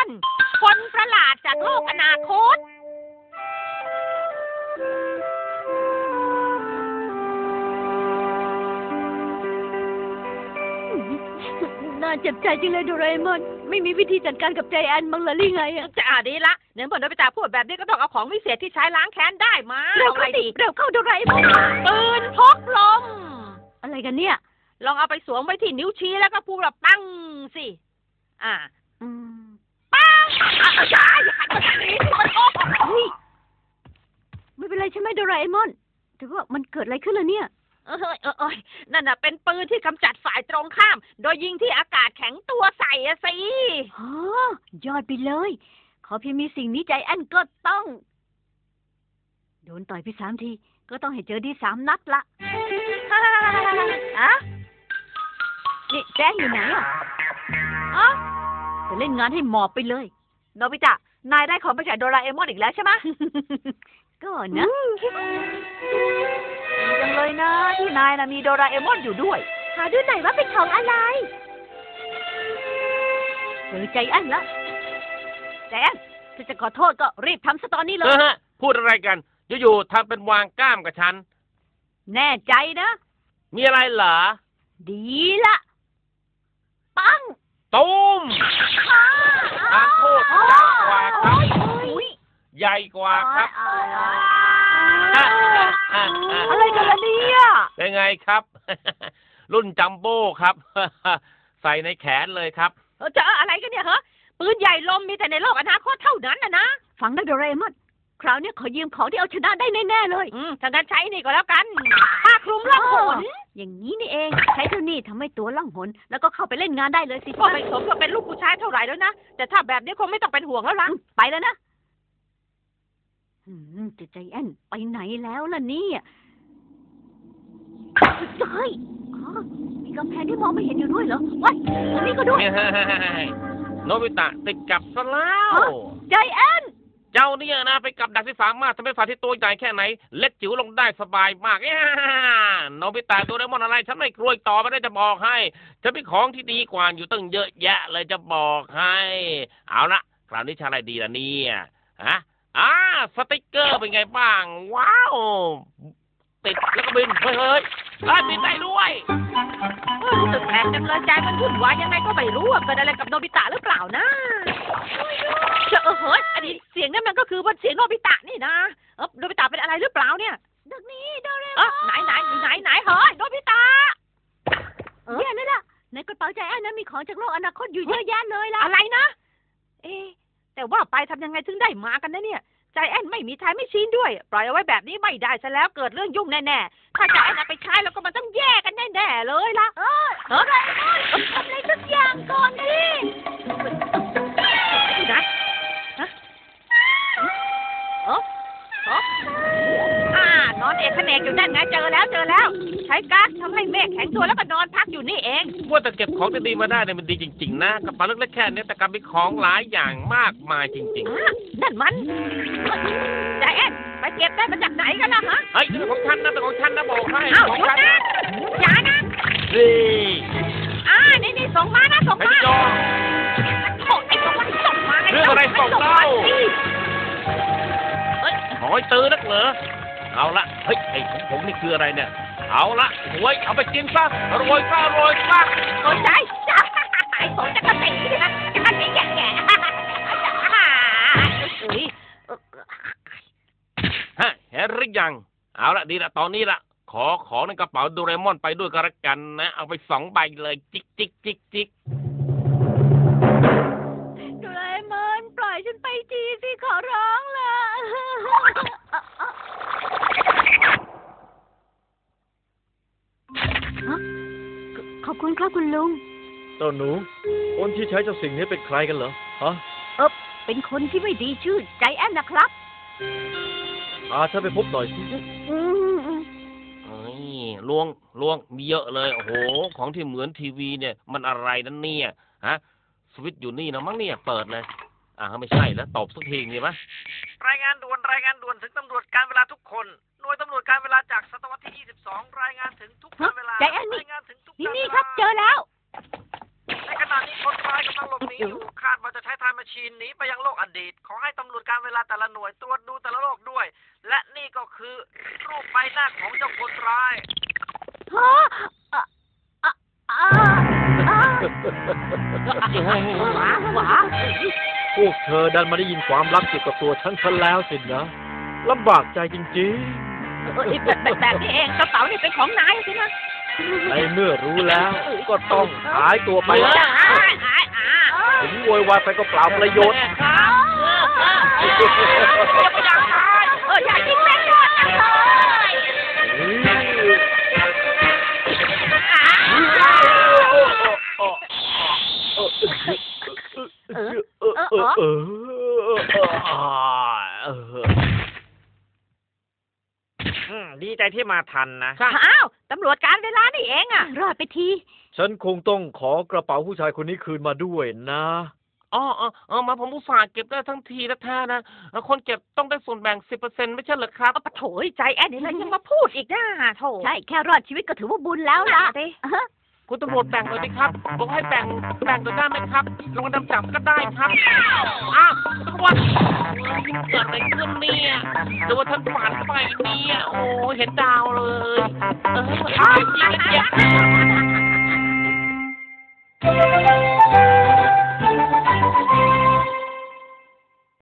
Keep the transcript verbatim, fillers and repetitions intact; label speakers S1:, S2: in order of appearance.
S1: คนประหลาดจากโลกอนาคต
S2: น่าเจ็บใจจริงเลยโดราเอมอนไม่มีวิธีจัดการกับใจแอนบ้างหรือไงอะ
S1: จะอ่าดีละเนื่องจากโนบิตะพูดแบบนี้ก็ต้องเอาของวิเศษที่ใช้ล้างแค้นได้มา
S2: เร็วเข้าดิเร็วเข้าโดราเอมอน
S1: ปืนพกลม
S2: อะไรกันเนี่ย
S1: ลองเอาไปสวมไว้ที่นิ้วชี้แล้วก็พูดแบบปังสิอ่าปังอาจารย์อย่าหันมาทางนี้มันโอ้
S2: เฮ้ยไม่เป็นไรใช่ไหมโดราเอมอนแต่ว่ามันเกิดอะไรขึ้นล่ะเนี่ย
S1: เออเออเออนั่นน่ะเป็นปืนที่กำจัดฝ่ายตรงข้ามโดยยิงที่อากาศแข็งตัวใส่อะสิ
S2: อ๋อยอดไปเลยขอเพียงมีสิ่งนี้ใจแอนก็ต้องโดนต่อยไปสามทีก็ต้องให้เจอดีสามนัดละอะนี่แจ้งอยู่ไหนอ่ะอ๋อจะเล่นงานให้หมอบไปเลย
S1: โนบิตะนายได้ของไปจากโดราเอมอนอีกแล้วใช่ไหม
S2: ก็นะ
S1: จังเลยนะที่นายนะมีโดราเอมอนอยู่ด้วย
S2: หาดูหน่อยว่าเป็นของอะไรเจอใจแอนแล้วใจแอนถ้าจะขอโทษก็รีบทำซะตอนนี้เลย
S3: พูดอะไรกันอยู่ๆทำเป็นวางกล้ามกับฉัน
S2: แน่ใจนะ
S3: มีอะไรเหรอ
S2: ดีละปัง
S3: ตุ้มทานโทษใหญ่กว่าครับใหญ่กว่าครับ
S2: อะไรกันล่ะเนี่ย
S3: เป็นไงครับรุ่นจัมโบ้ครับใส่ในแขนเลยครับ
S1: เจออะไรกันเนี่ยฮะปืนใหญ่ลมมีแต่ในโลกอนาคตเท่านั้นนะนะ
S2: ฟังนะโดราเอมอนคราวนี้ขอยืมของที่เอาชนะได้แน่ๆเลย
S1: อืมถ้างั้นใช้นี่ก็แล้วกันผ้าคลุมล่องหน
S2: อย่างนี้นี่เองใช้เท่านี้ทำให้ตัวล่องหนแล้วก็เข้าไปเล่นงานได้เลยสิ
S1: ก็ไม่สมกับเป็นลูกผู้ชายเท่าไหร่แล้วนะแต่ถ้าแบบนี้คงไม่ต้องเป็นห่วงแล้วล่ะ
S2: ไปแล้วนะจะใจแอนไปไหนแล้วล่ะเนี่ยเฮ้ยมีกำแพงที่มองไม่เห็นอยู่ด้วยเหรอว้ายตรงนี้ก็ด้วย
S3: โนบิตะติดกับซะแล้ว
S2: ใจแอน
S3: เจ้าเนี่ยนะไปกับดักที่สามารถทำให้ฝ่ายที่ตัวใหญ่แค่ไหนเล็กจิ๋วลงได้สบายมากโนบิตะโดเรมอนอะไรฉันไม่กลัวต่อไม่ได้จะบอกให้ฉันมีของที่ดีกว่าอยู่ตั้งเยอะแยะเลยจะบอกให้เอาละคราวนี้ชาอะไรดีล่ะเนี่ยฮะอ่าสติ๊กเกอร์เป็นไงบ้างว้าวติดแล้วก็บินเฮ้ยเฮ้ยบินได้ด้วย
S1: รู้สึกแปลกจังเลยใจมันวุ่นวายยังไงก็ไม่รู้ว่าเกิดอะไรกับโนบิตะหรือเปล่านะเออเฮ้ยอันนี้เสียงนั่นมันก็คือว่าเสียงโนบิตะนี่นะเออโนบิตะเป็นอะไรหรือเปล่าเนี่ย
S2: ดักนี้โดเรม
S1: อนไหนไหนไหนไหนเฮ้ยโนบิตะ
S2: เออนี่แหละในกระเป๋าใจแอนนั้นมีของจากโลกอนาคตอยู่เยอะแยะเลยล่ะ
S1: อะไรนะเอ๊แต่ว่าไปทำยังไงถึงได้มากันนะเนี่ยใจแอนไม่มีทายไม่ชี้ด้วยปล่อยเอาไว้แบบนี้ไม่ได้ซะแล้วเกิดเรื่องยุ่งแน่ๆถ้าใจแอนเอาไปใช้แล้วก็มันต้องแย่กันแน่ๆเลยล่ะ
S2: เออเออทำอะไรสักอย่างก่อนดิ
S1: นะฮะเออเอออ่านอนเอกเขนกอยู่นั่นไงเจอแล้วเจอแล้วใช้ก๊าซทำให้เมฆแข็งตัวแล้วก็นอนพักอยู่นี่เอง
S3: ว่าแต่เก็บของดีๆมาได้เนี่ยมันดีจริงๆนะกระเป๋าเล็กๆแค่นี้แต่กลับมีของหลายอย่างมากมายจริง
S1: ๆนั่นมันใจแอนไปเก็บได้มาจากไหนกันล่ะฮะ
S3: เฮ้ยเป็นของฉันนะเป็นของฉันนะบอกให้
S1: ของฉันนะอย่านะ
S3: นี่
S1: อ่านี่นี่ส่งมานะส่งมา
S3: โ
S1: อ้ไอ้ส่งมาส่งมา
S3: เรื่องอะไรส่งเล่าเฮ้ยหอยตื้อนักเหรอเอาละเฮ้ยไอ้ของผมนี่คืออะไรเนี่ยเอาละหวยเอาไปกินซะอร่อยซะอร่อยซะ
S1: สนใจจ้าไอ้ผมจะกระติกนะจะกระติกแก่ๆ
S3: ฮะเห็นหรือยังเอาละดีละตอนนี้ละขอของในกระเป๋าโดเรมอนไปด้วยกันละกันนะเอาไปสองใบเลยจิกจิกจิกจิก
S2: โดเรมอนปล่อยฉันไปทีสิขอร้องละขอบคุณครับคุณลุง
S4: เจ้าหนูคนที่ใช้เจ้าสิ่งนี้เป็นใครกันเหรอฮะ
S2: เออเป็นคนที่ไม่ดีชื่อใจแอนนะครับ
S4: พาฉันไปพบหน่อยสิ
S3: เฮ้ยลวงลวงมีเยอะเลยโอ้โหของที่เหมือนทีวีเนี่ยมันอะไรนั่นเนี่ยฮะสวิตช์อยู่นี่นะมั้งเนี่ยเปิดเลยอ่าไม่ใช่แล้วตบสักทีนี่มั้ย
S5: รายงานด่วนรายงานด่วนถึงตำรวจการเวลาทุกคนหน่วยตำรวจการเวลาจากศตวรรษที่ยี่สิบสองรายงานถึงทุกการเวลาร
S2: ายงานถึงทุกนี่นี่ครับเจอแล้ว
S5: ในขณะนี้คนร้ายกำลังหลบหนีอยู่คาดว่าจะใช้ไทม์แมชชีนหนีไปยังโลกอดีตขอให้ตำรวจการเวลาแต่ละหน่วยตรวจดูแต่ละโลกด้วย และนี่ก็คือรูปใบหน้าของเจ้าคนร้าย
S2: ฮะอ่ะอ่ะอ่ะอ่ะ
S1: หวาหวา
S4: พวกเธอดันมาได้ยินความลับเกี่ยวกับตัวฉันซะแล้วสินะลำบากใจจริง
S1: เออแบบแบบแบบนี้เองกระเป๋านี่เป็นของนายสินะ
S4: ๆ ในเมื่อรู้แล้ว ก็ต้องหายตัวไป
S1: ไปอ่ะอ่ะอ่ะอ่ะ
S4: ถึงโวยวายไปก็เปล่าประโยชน์
S1: ครับอย่าไปด่าใครเอออย่ายิงแม่ยอดจังเลย
S2: เออเออเออ
S4: เออ
S5: อืมดีใจที่มาทันนะ
S1: อ้าวตำรวจการเวลานี่เองอ่ะ
S2: รอดไปที
S4: ฉันคงต้องขอกระเป๋าผู้ชายคนนี้คืนมาด้วยนะ
S3: อ๋ออ๋ออ๋อมาผมอุตส่าห์เก็บได้ทั้งทีแท้ๆนะคนเก็บต้องได้ส่วนแบ่งสิบเปอร์เซ็นต์ไม่ใช่เหรอครับ
S1: เอาปะโถยใจแอนนี่นะยังมาพูดอีกนะโถ
S2: ใช่แค่รอดชีวิตก็ถือว่าบุญแล้วล่ะ
S1: สิ
S3: คุณตำรวจแบ่งเลยไหมครับบอกให้แบ่งแบ่งตัวได้ไหมครับลงมาดำจับก็ได้ครับอ้าวตำรวจเกิดอะไรขึ้นเนี่ยหรือว่าท่านฝันไปเนี่ยโอ้เห็นดาวเลยเอออ้าวจริงๆ